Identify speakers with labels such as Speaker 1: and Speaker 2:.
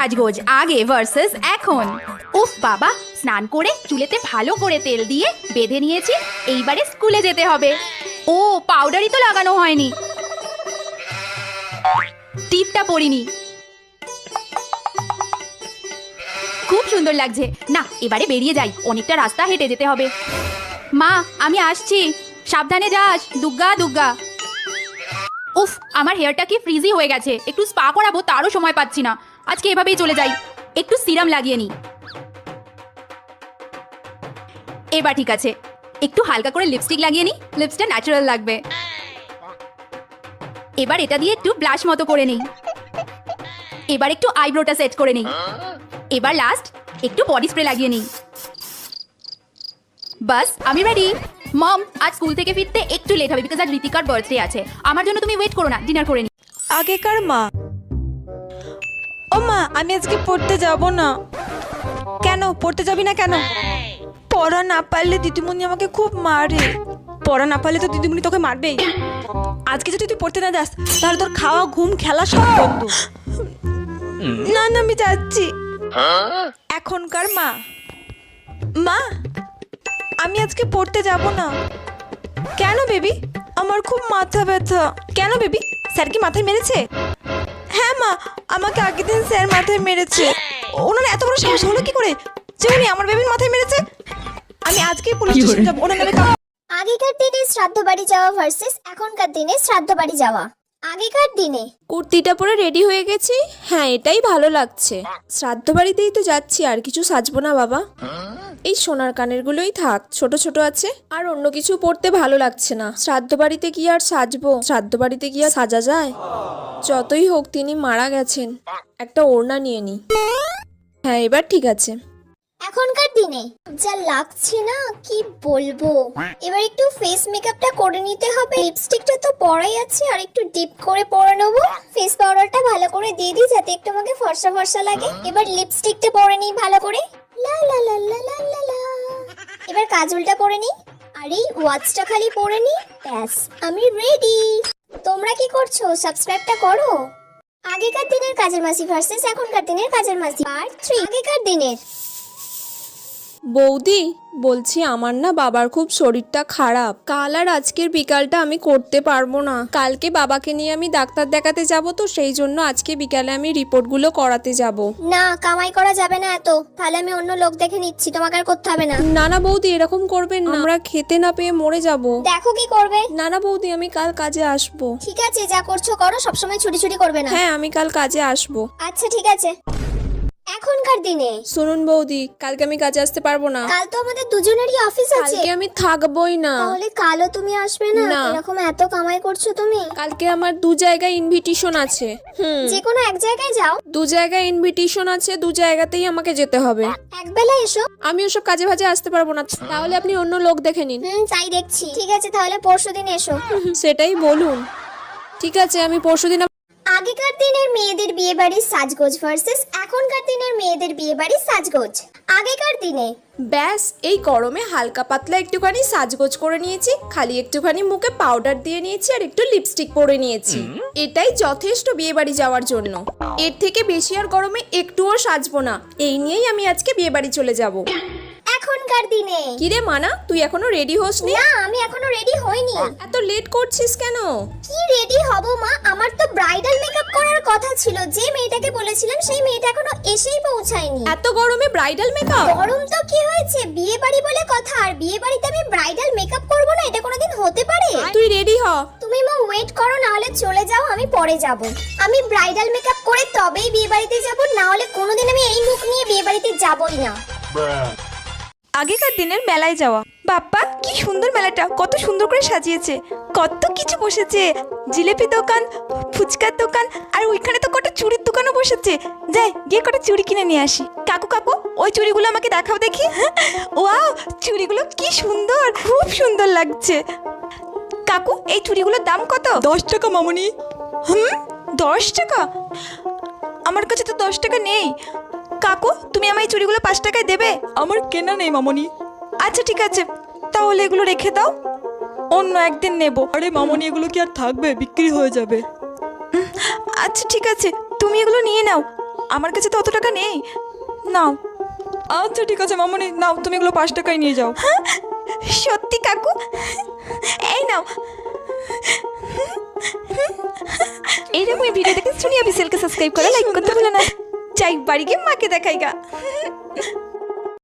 Speaker 1: সাজগোজ আগে ভার্সেস এখন। উফ বাবা, স্নান করে চুলেতে ভালো করে তেল দিয়ে বেঁধে নিয়েছি, এইবারে স্কুলে যেতে হবে। ও পাউডারই তো লাগানো হয়নি, টিপটা পরিনি। খুব সুন্দর লাগছে। না, এবারে বেরিয়ে যাই, অনেকটা রাস্তা হেঁটে যেতে হবে। মা আমি আসছি, সাবধানে যাস। দুগ্গা দুগ্গা। উফ, আমার হেয়ারটা কি ফ্রিজি হয়ে গেছে, একটু স্পা করাবো তারও সময় পাচ্ছি না। আজকে এভাবেই চলে যাই, একটু সিরাম লাগিয়ে নি। এবার ঠিক আছে, একটু হালকা করে লিপস্টিক লাগিয়ে নি, লিপসটা ন্যাচারাল লাগবে। এবার এটা দিয়ে একটু ব্লাশ মতো করে নেই। এবার একটু আইব্রোটা সেট করে নেই। এবার লাস্ট একটু বডি স্প্রে লাগিয়ে নিই। বাস আমি রেডি। মম, আজ স্কুল থেকে ফিরতে একটু লেট হবে বিকজ আজ ঋতিকার বার্থডে আছে। আমার জন্য তুমি ওয়েট করো না, ডিনার করে নি।
Speaker 2: আগেকার মা। ও মা, আমি আজকে পড়তে যাব না। কেন পড়তে যাবি না কেন? পড়া না পারলে দিদিমণি আমাকে খুব মারে। পড়া না পারলে তো দিদিমণি তোকে মারবেই। আজকে যদি তুই পড়তে না যাস তাহলে তোর খাওয়া ঘুম খেলা সব বন্ধ। না না, আমি যাচ্ছি। এখনকার মা। মা, আমি আজকে পড়তে যাব না। কেন বেবি? আমার খুব মাথা ব্যথা। কেন বেবি, স্যার কি মাথায় মেরেছে? হ্যাঁ মা, আমাকে আগের দিন স্যার মাথায় মেরেছে। ওনার এত বড় সাহস হলো কি করে যে উনি আমার বেবির মাথায় মেরেছে? আমি আজকেই পুলিশ স্টেশন যাব। ওনার নামে
Speaker 3: আগেকার দিনে শ্রাদ্ধ বাড়ি যাওয়া ভার্সেস এখনকার দিনে শ্রাদ্ধ বাড়ি যাওয়া। আগেকার দিনে
Speaker 4: কুর্তিটা পরে রেডি হয়ে গেছি, হ্যাঁ এটাই ভালো লাগছে। শ্রাদ্ধ বাড়িতেই তো যাচ্ছি, আর কিছু সাজবো না বাবা। এই সোনার কানের গুলোই থাক, ছোট ছোট আছে, আর অন্য কিছু পরতে ভালো লাগছে না। শ্রাদ্ধ বাড়িতে কি আর সাজবো? শ্রাদ্ধ বাড়িতে কি আর সাজা যায়? যতই হোক তিনি মারা গেছেন, একটা ওড়না নিয়ে নি। হ্যাঁ এবার ঠিক আছে।
Speaker 3: এখনকার দিনে যা লাগছে না কি বলবো। এবার একটু ফেস মেকআপটা করে নিতে হবে। লিপস্টিকটা তো পরাই আছে, আর একটু ডিপ করে পরে নেবো। ফেস পাউডারটা ভালো করে দিয়ে দিই যাতে একটু আমাকে ফর্সা ফর্সা লাগে। এবার লিপস্টিকটা পরে নিই ভালো করে। লা লা লা লা লা লা লা। এবার কাজলটা পরে নিই, আর এই ওয়াচটা খালি পরে নিই, ব্যাস আমি রেডি। তোমরা কি করছো? সাবস্ক্রাইবটা করো। আগেকার দিনের কাজের মাসি ভার্সেস এখনকার দিনের কাজের মাসি পার্ট 3। আগেকার দিনের।
Speaker 4: বৌদি বলছি, আমার না বাবার খুব শরীরটা খারাপ। কাল আর আজকের বিকালটা আমি করতে পারবো না। কালকে বাবাকে নিয়ে আমি ডাক্তার দেখাতে যাব, তো সেই জন্য আজকে বিকালে আমি রিপোর্টগুলো করাতে যাব।
Speaker 3: না, কামাই করা যাবে না এত, তাহলে আমি অন্য লোক দেখে নিচ্ছি, তোমাকে আর করতে হবে না।
Speaker 4: না না বৌদি, এরকম করবেন না, আমরা খেতে না পেয়ে মরে যাব।
Speaker 3: দেখো কি করবে।
Speaker 4: না না বৌদি, আমি কাল কাজে আসবো।
Speaker 3: ঠিক আছে, যা করছো করো, সবসময় ছুটি ছুটি করবে না।
Speaker 4: হ্যাঁ আমি কাল কাজে আসবো।
Speaker 3: আচ্ছা ঠিক আছে। এখনকার দিনে।
Speaker 4: শুনুন বৌদি, কালকে আমি কাজে আসতে পারবো না।
Speaker 3: কাল তো আমাদের দুজনেরই অফিস আছে।
Speaker 4: কালকে আমি থাকবোই না।
Speaker 3: তাহলে কালও তুমি আসবে না?
Speaker 4: না।
Speaker 3: এরকম এত কামাই করছো তুমি।
Speaker 4: কালকে আমার 2 জায়গায় ইনভিটেশন আছে।
Speaker 3: যে কোনো এক জায়গায় যাও।
Speaker 4: 2 জায়গায় ইনভিটেশন আছে, 2 জায়গাতেই আমাকে যেতে হবে।
Speaker 3: একবেলা এসো।
Speaker 4: আমি ওসব কাজে ভাজে আসতে পারবো না, তাহলে আপনি অন্য লোক দেখে নিন।
Speaker 3: তাই দেখছি। ঠিক আছে, তাহলে পরশুদিন এসো।
Speaker 4: সেটাই বলুন। ঠিক আছে, আমি পরশুদিন।
Speaker 3: আগেকার দিনের মেয়েদের বিয়ে বাড়ির সাজগোজ ভার্সেস এখনকার দিনের মেয়েদের বিয়ে বাড়ির সাজগোজ। আগেকার দিনে।
Speaker 4: ব্যাস, এই গরমে হালকা পাতলা একটুখানি সাজগোজ করে নিয়েছি, খালি একটুখানি মুখে পাউডার দিয়ে নিয়েছি, আর একটু লিপস্টিক পরে নিয়েছি। এটাই যথেষ্ট বিয়ে বাড়ি যাওয়ার জন্য। এর থেকে বেশি আর গরমে একটুও সাজবো না। এই নিয়েই আমি আজকে বিয়ে বাড়ি চলে যাব।
Speaker 3: এখনকার দিনে।
Speaker 4: কিরে মানা, তুই এখনো রেডি হসনি?
Speaker 3: না, আমি এখনো রেডি হইনি।
Speaker 4: এত লেট করছিস কেন?
Speaker 3: কি রেডি হব মা, আমার তো ব্রাইডাল মেকআপ করার কথা ছিল। যে মেয়েটাকে বলেছিলাম সেই মেয়েটা এখনো এসেই পৌঁছায়নি।
Speaker 4: এত গরমে ব্রাইডাল মেকআপ?
Speaker 3: গরম তো কি হয়েছে, বিয়ে বাড়ি বলে কথা, আর বিয়ে বাড়িতে আমি ব্রাইডাল মেকআপ করব না, এটা কোনোদিন হতে পারে?
Speaker 4: তুই রেডি হ।
Speaker 3: তুমি মা ওয়েট করো, না হলে চলে যাও, আমি পরে যাব। আমি ব্রাইডাল মেকআপ করে তবেই বিয়ে বাড়িতে যাব, না হলে কোনোদিন আমি এই মুখ নিয়ে বিয়ে বাড়িতে যাবই না।
Speaker 2: আগেকার দিনের মেলায় যাওয়া। বাপ্পা, কি সুন্দর মেলাটা, কত সুন্দর করে সাজিয়েছে, কত কিছু বসেছে। জিলেপি দোকান, ফুচকার দোকান, আর ওইখানে তো কত চুড়ির দোকানও বসেছে। যাই গিয়ে কটা চুড়ি কিনে নিয়ে আসি। কাকু কাকু, ওই চুড়িগুলো আমাকে দেখাও দেখি। ওয়াও, চুড়িগুলো কি সুন্দর, খুব সুন্দর লাগছে। কাকু, এই চুড়িগুলোর দাম কত?
Speaker 5: 10 টাকা মামনি।
Speaker 2: 10 টাকা? আমার কাছে তো 10 টাকা নেই। কাকু, তুমি আমার এই চুড়িগুলো 5 টাকায় দেবে?
Speaker 5: আমার কেনা নেই মামনি।
Speaker 2: আচ্ছা ঠিক আছে, তাহলে এগুলো রেখে দাও, অন্য একদিন নেব।
Speaker 5: আরে মামনি, এগুলো কি আর থাকবে? বিক্রি হয়ে যাবে।
Speaker 2: আচ্ছা ঠিক আছে, তুমি এগুলো নিয়ে নাও, আমার কাছে তো অত টাকা নেই। নাও।
Speaker 5: আচ্ছা ঠিক আছে মামনি, নাও তুমি এগুলো 5 টাকায় নিয়ে যাও।
Speaker 2: সত্যি কাকু? এই নাও। এইরকমই ভিডিও দেখে সোনিয়া বিসেলকে সাবস্ক্রাইব করে লাইক করতে ভুলো না। যাই বাড়ি গিয়ে মাকে দেখাই গা।